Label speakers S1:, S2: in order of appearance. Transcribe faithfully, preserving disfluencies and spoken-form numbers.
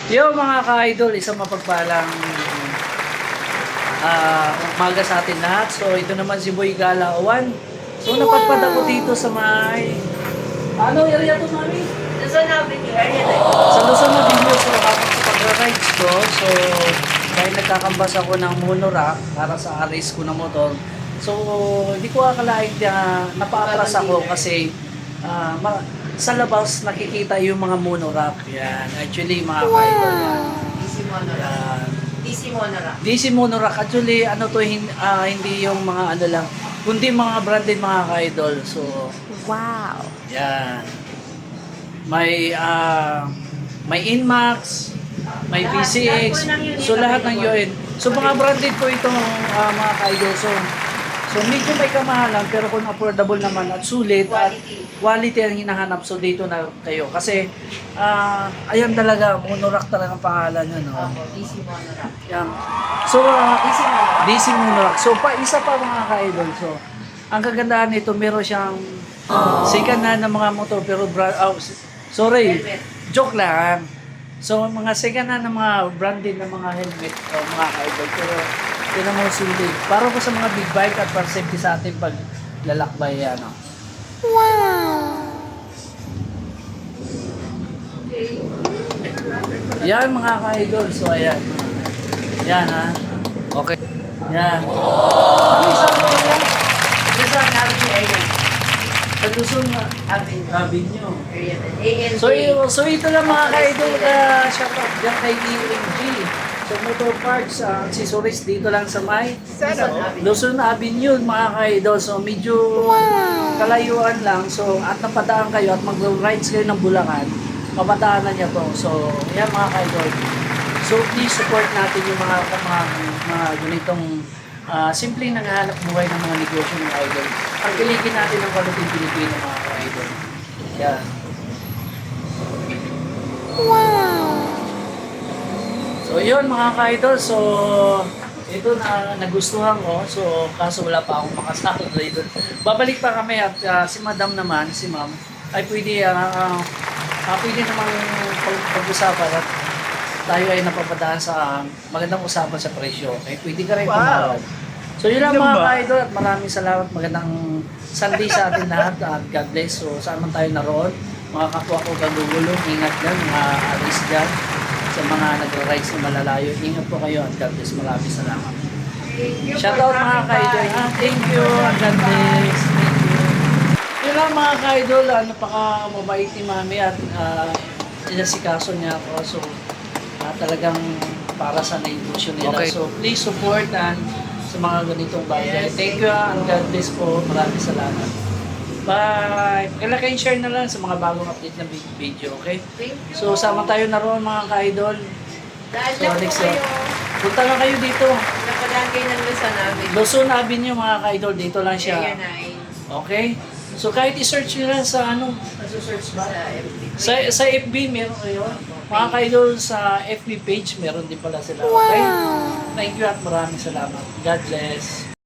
S1: Yo mga ka-idol, isang mapagpalang ah, umaga sa atin lahat. So ito naman si Boy Galawan. So napadpad ako dito sa may... Ano area to, mami?
S2: Luzon Avenue, area na yun.
S1: Sa Luzon na video. So habang sa pagra-rides ko, so dahil nagkakambas ako ng monorack para sa race ko na motor. So hindi ko akalain na napaatras ako kasi ah, ma- sa labas nakikita yung mga monorack. Yan, actually mga ka-idol yan.
S2: D C Monorack.
S1: Yan.
S2: D C Monorack.
S1: D C Monorack, actually, ano to, hin- ah, hindi yung mga ano lang, kundi mga branded mga ka-idol. So,
S3: Wow.
S1: yan. May, ah, may Inmax, may V C X, so lahat ng yun. So, mga branded po itong ah, mga ka-idol. So, so medyo may kamahalan, pero kung affordable naman at sulit at quality ang hinahanap, so dito na kayo. Kasi, ah, ayan talaga, Monorack talaga ang pangalan yun. No?
S2: Opo, D C Monorack.
S1: Yan. So, ah,
S2: D C Monorack.
S1: D C Monorack. So, pa, isa pa mga ka-idol. So, ang kagandahan nito, meron siyang second hand na mga motor, pero brand, oh, s- sorry,
S2: Helmet.
S1: joke lang. So, mga second hand na mga branded na mga helmet, oh, mga ka-idol. Pero, tinan mo sulit. Para po sa mga big bike at para safety sa ating paglalakbay, ano. Yan mga ka-idol. So, ayan. Yan, ha. Okay. Yan. Ano isang mo yan?
S2: Luzon Avenue, area.
S1: Sa Luzon na
S2: Avenue.
S1: Avenue.
S2: Area na. A N J.
S1: So, y- so ito lang mga ka-idol ka shout out dyan kay E M G. So motor parts, uh, accessories dito lang sa may
S2: Luzon Avenue.
S1: Luzon Avenue mga ka-idol. So medyo kalayuan lang. So at napadaan kayo at mag-rides kayo ng Bulacan, mapadaanan niya to. So yan mga ka-idol. So please support natin yung mga mga, mga ganitong uh, simpleng nanghahanap buhay ng mga negosyo ng idol. Pagkiligin natin ang kwaliting Pilipino mga ka-idol. Yan. So yun mga ka-idol, so ito na nagustuhan ko, so kaso wala pa akong makasakot dito. Babalik pa kami at ah, si madam naman, si ma'am, ay pwede, ah ah, ah, pwede namang pag- pag-usapan at tayo ay napapadaan sa magandang usapan sa presyo. Okay, pwede ka rin tumawag. So yun lang mga ka-idol at maraming salamat, magandang Sunday sa atin lahat at God bless. So saan man tayo naroon, mga kapwa ko gagugulong, ingat dyan, mga alis dyan sa mga nag-rides na malalayo. Ingat po kayo at God bless. Maraming salamat.
S2: Thank you
S1: Shout
S2: for
S1: out mga
S2: dropping
S1: ka-idol.
S2: by.
S1: Ah, thank you. God bless. Thank you. Yun lang mga ka-idol. Ah, napaka mabait ni mami at uh, inasikaso niya ako. So, ah, talagang para sa negosyo nila.
S4: Okay.
S1: So, please support and sa mga ganitong bagay. Thank you ah, and God bless po. Maraming salamat. Bye! Kailan share na lang sa mga bagong update na vi- video, okay?
S2: Thank you.
S1: So, sama tayo na roon mga ka-idol.
S2: Dahil
S1: So,
S2: lang po
S1: next
S2: kayo.
S1: Punta lang kayo dito.
S2: Napadaan kayo ng Luzon Avenue.
S1: Luzon Avenue mga ka-idol, dito lang siya.
S2: Area nine.
S1: Okay? So kahit i-search nyo lang sa ano, nasa-search ba?
S2: Sa F B.
S1: Sa, sa F B meron kayo. Mga ka-idol sa F B page, meron din pala sila. Okay? Thank you at maraming salamat. God bless.